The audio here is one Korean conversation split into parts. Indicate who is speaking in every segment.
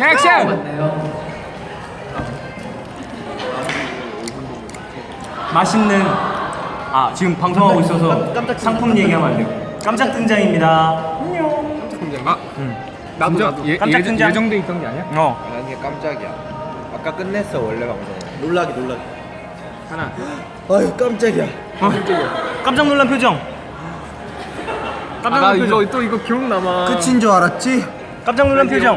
Speaker 1: 액션!
Speaker 2: 맛있는 지금 방송하고 있어서 상품 얘기하면 안 돼요. 깜짝 등장입니다. 안녕.
Speaker 1: 나도
Speaker 2: 깜짝 등장.
Speaker 1: 예정돼 있던 게 아니야?
Speaker 3: 아니 깜짝이야. 아까 끝냈어 원래 방송. 놀라기.
Speaker 1: 하나.
Speaker 3: 아유 깜짝이야.
Speaker 2: 깜짝 놀란 표정. 깜짝
Speaker 1: 나
Speaker 2: 놀란 표정.
Speaker 1: 이거 기억 남아.
Speaker 3: 끝인 줄 알았지?
Speaker 2: 깜짝 놀란 표정.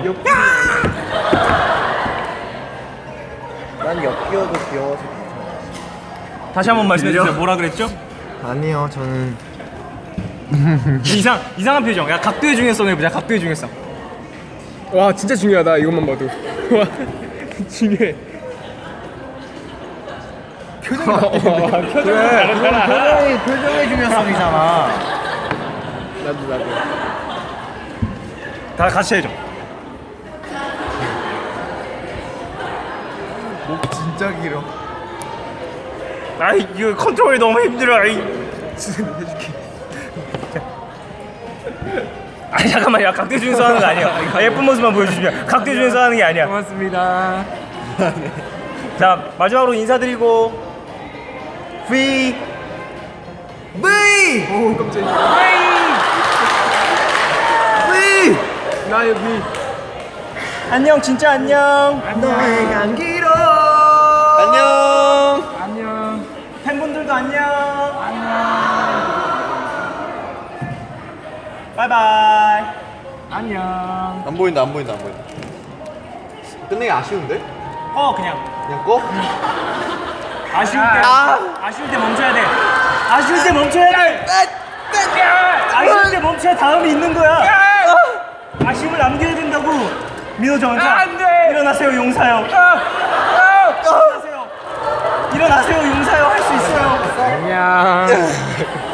Speaker 3: 난 엮여도 귀여워서 괜찮아.
Speaker 2: 다시 한번 말씀해 주세요. 뭐라 그랬죠?
Speaker 3: 아니요 저는
Speaker 2: 이상한 표정. 야 각도의 중요성 해보자. 각도의 중요성.
Speaker 1: 와 진짜 중요하다 이것만 봐도. 와 중요해. 표정이
Speaker 2: 그래. 표정의 중요성이잖아.
Speaker 1: 나도.
Speaker 2: 다 같이 해줘.
Speaker 3: 목 진짜 길어.
Speaker 2: 아이 이거 컨트롤이 너무 힘들어. 아이. 아니 잠깐만, 야 각도 중에서 하는 거 아니야. 예쁜 모습만 보여주시면 각도 중에서 하는 게 아니야.
Speaker 1: 고맙습니다.
Speaker 2: 자 마지막으로 인사드리고 V
Speaker 1: 오 깜짝이야. 나 여기.
Speaker 2: 안녕. 진짜 안녕.
Speaker 3: 너의 향기로.
Speaker 1: 안녕.
Speaker 2: 팬분들도 안녕. 바이바이.
Speaker 1: 안녕.
Speaker 3: 안 보인다. 끝내기 아쉬운데?
Speaker 2: 그냥
Speaker 3: 꺼?
Speaker 2: 아쉬울 때 멈춰야 돼. 아쉬울 때 멈춰야 다음이 있는 거야. 아쉬움을 남겨야 된다고. 민호 전사.
Speaker 1: 안돼.
Speaker 2: 일어나세요 용사요. 일어나세요 용사요. 할 수 있어요.
Speaker 1: 안녕.